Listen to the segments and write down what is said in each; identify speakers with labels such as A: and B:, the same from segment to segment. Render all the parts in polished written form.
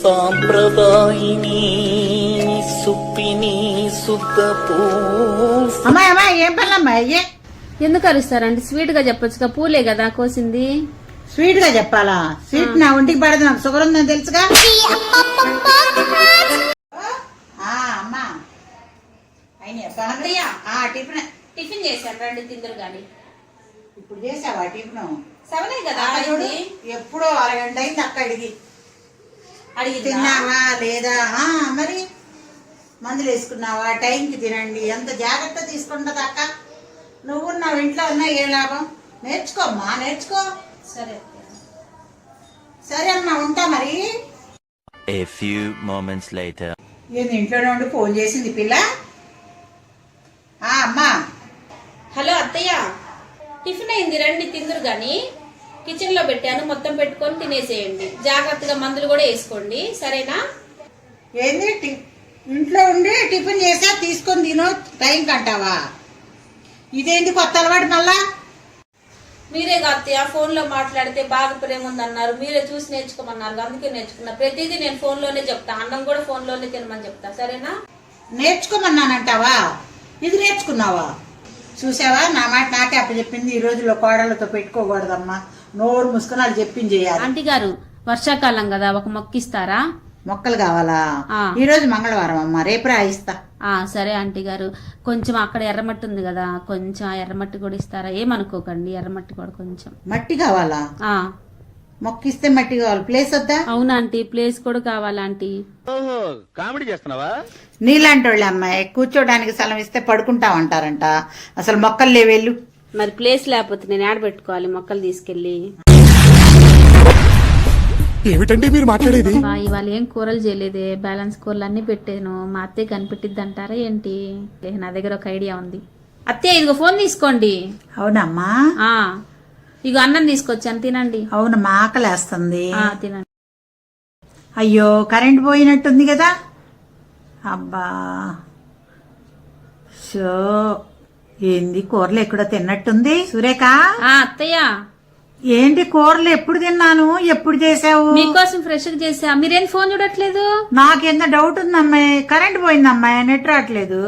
A: సాంప్రదాయిని సుప్పిని సుద్దపూ.
B: అమ్మాయి అమ్మాయి ఏం పనులమ్మా అయ్యే?
C: ఎందుకు అరుస్తారండి? స్వీట్ గా చెప్పొచ్చుగా, పూలే కదా కోసింది.
B: స్వీట్ గా చెప్పాలా? స్వీట్ నా ఒంటికి పడదు, నాకు షుగర్ ఉందని తెలుసుగా. అమ్మా టిఫిన్
C: టిఫిన్ చేశాను, రండి తిందరు గాని.
B: ఇప్పుడు చేసావా టిఫిన్?
C: సెవెనే కదా
B: చూడు, ఎప్పుడో అరగంట అయింది అక్క అడిగి తిన్నావా లేదా? మరి మందులు వేసుకున్నావా? టైంకి తినండి. ఎంత జాగ్రత్త తీసుకుంటది అక్క. నువ్వు నా ఇంట్లో ఉన్నా ఏ లాభం? నేర్చుకోమ్మా, నేర్చుకో.
C: సరే
B: సరే అమ్మా, ఉంటా మరి.
D: A few moments later.
B: ఏంది ఇంట్లోనే ఉండి ఫోన్ చేసింది పిల్ల? అమ్మా.
C: హలో అత్తయ్య, టిఫిన్ అయింది, రండి తిందురు గాని. కిచెన్ లో పెట్టాను, మొత్తం పెట్టుకొని తినేసేయండి. జాగ్రత్తగా మందులు కూడా వేసుకోండి, సరేనా?
B: ఏంది ఇంట్లో ఉండి టిఫిన్ చేసా తీసుకొని తినో టైం కంటావా? ఇదేంటి కొత్త అలవాటు మళ్ళా?
C: మీరే అత్తయ్య ఫోన్ లో మాట్లాడితే బాగా ప్రేమ ఉందన్నారు, మీరే చూసి నేర్చుకోమన్నారు, అందుకే నేర్చుకున్నా. ప్రతిదీ నేను ఫోన్ లోనే చెప్తా, అన్నం కూడా ఫోన్ లోనే తినమని చెప్తా, సరేనా?
B: నేర్చుకోమన్నానంటావా? ఇది నేర్చుకున్నావా? చూసావా, నా మాట నాకే అప్పచెప్పింది. ఈ రోజుల్లో కోడళ్ళతో పెట్టుకోకూడదమ్మా, నోరు ముసుకుని వాళ్ళు చెప్పింది చేయాలి.
C: ఆంటీ గారు, వర్షాకాలం కదా, ఒక మొక్కిస్తారా?
B: మొక్కలు కావాలా? ఈ రోజు మంగళవారం అమ్మా, రేపు రాయిస్తా.
C: సరే ఆంటీ గారు, కొంచెం అక్కడ ఎర్రమట్టి ఉంది కదా, కొంచెం ఆ ఎర్రమట్టి కూడా ఇస్తారా? ఏమనుకోకండి, ఎర్రమట్టి కూడా కొంచెం.
B: మట్టి కావాలా? మొక్కిస్తే మట్టి కావాలి, ప్లేస్ వద్దా?
C: అవునా ఆంటీ, ప్లేస్ కూడా కావాలా ఆంటీ?
D: కామెడీ చేస్తున్నావా?
B: నీలాంటి వాళ్ళు అమ్మాయి కూర్చోడానికి స్థలం ఇస్తే పడుకుంటామంటారంట. అసలు మొక్కలు లేవేళ్ళు.
C: మరి ప్లేస్ లేకపోతే నేను యాడ్ పెట్టుకోవాలి మొక్కలు తీసుకెళ్లి.
E: ఏమిటండి మీరు మాట్లాడేది?
C: ఇవాళ ఏం కూరలు చేయలేదే, బ్యాలెన్స్ కూరలు అన్ని పెట్టాను. మా అత్తయ్య కనిపెట్టిద్ది అంటారా ఏంటి? నా దగ్గర ఒక ఐడియా ఉంది. అత్తయ్య, ఇదిగో ఫోన్ తీసుకోండి.
B: అవునమ్మా.
C: ఇగో అన్నం తీసుకొచ్చాను, తినండి.
B: అవునమ్మా, ఆకలేస్తుంది.
C: తినండి.
B: అయ్యో, కరెంట్ పోయినట్టుంది కదా. అబ్బా, షో ఏంది కూరలు ఎక్కడో తిన్నట్టుంది. సురేఖ.
C: అత్తయ్య,
B: ఏంటి కూరలు ఎప్పుడు తిన్నాను, ఎప్పుడు చేసావు?
C: మీకోసం ఫ్రెష్ గా చేసా. మీరేం ఫోన్ చూడట్లేదు?
B: నాకెంత డౌట్ ఉందమ్మాయి, కరెంట్ పోయిందమ్మాయి, నెట్ రావట్లేదు.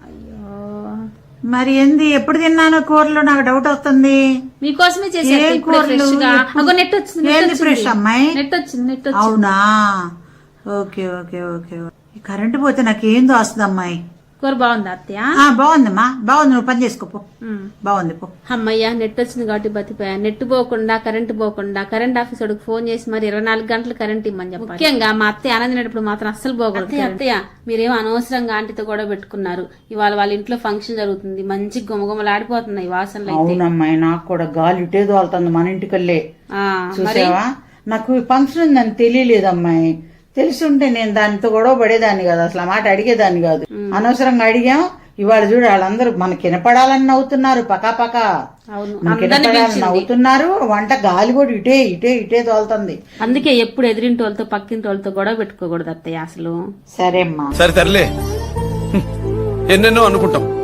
B: మరి ఏంది ఎప్పుడు తిన్నాను కూరలు, నాకు డౌట్ వస్తుంది.
C: మీకోసమే చేసా. నెట్ వచ్చింది.
B: ఏంది ఫ్రెష్ అమ్మాయి?
C: నెట్ వచ్చింది.
B: అవునా? Okay okay okay. కరెంట్ పోతే నాకేం దోస్తుంది అమ్మాయి.
C: కూర బాగుందా అత్తయ్య?
B: బాగుందమ్మా, బాగుంది. నువ్వు పని చేసుకోపో. బాగుంది పో.
C: అమ్మయ్యా, నెట్ వచ్చింది కాబట్టి బతిపోయా. నెట్ పోకుండా కరెంట్ పోకుండా కరెంట్ ఆఫీస్ వాడికి ఫోన్ చేసి మరి 24 గంటలు కరెంట్ ఇమ్మని చెప్పాలి. ముఖ్యంగా మా అత్తయ్య ఆనందినప్పుడు మాత్రం అస్సలు పోకూడదు. అత్తయ్య, మీరేమో అనవసరంగా ఆంటీతో కూడా పెట్టుకున్నారు. ఇవాళ వాళ్ళ ఇంట్లో ఫంక్షన్ జరుగుతుంది, మంచి గుమగుమలాడిపోతున్నాయి వాసనలు.
B: అవునమ్మాయి, నాకు కూడా గాలి ఇటే తోలుతుంది మన ఇంటికల్లే. చూసావా, నాకు ఫంక్షన్ ఉందని తెలియలేదమ్మాయి. తెలిసి ఉంటే నేను దానితో గొడవ పడేదాన్ని కాదు, అసలు ఆ మాట అడిగేదాన్ని కాదు. అనవసరంగా అడిగాం. ఇవాళ చూడు, వాళ్ళందరూ మనకి వినపడాలని నవ్వుతున్నారు, పకాపకా నవ్వుతున్నారు. వంట గాలి కూడా ఇటే ఇటే ఇటే తోలుతుంది.
C: అందుకే ఎప్పుడు ఎదిరింటి వాళ్ళతో పక్కింటి వాళ్ళతో గొడవ పెట్టుకోకూడదు అత్తయ్య అసలు.
B: సరే అమ్మా.
E: సరే తరలే, ఎన్నెన్నో అనుకుంటాం.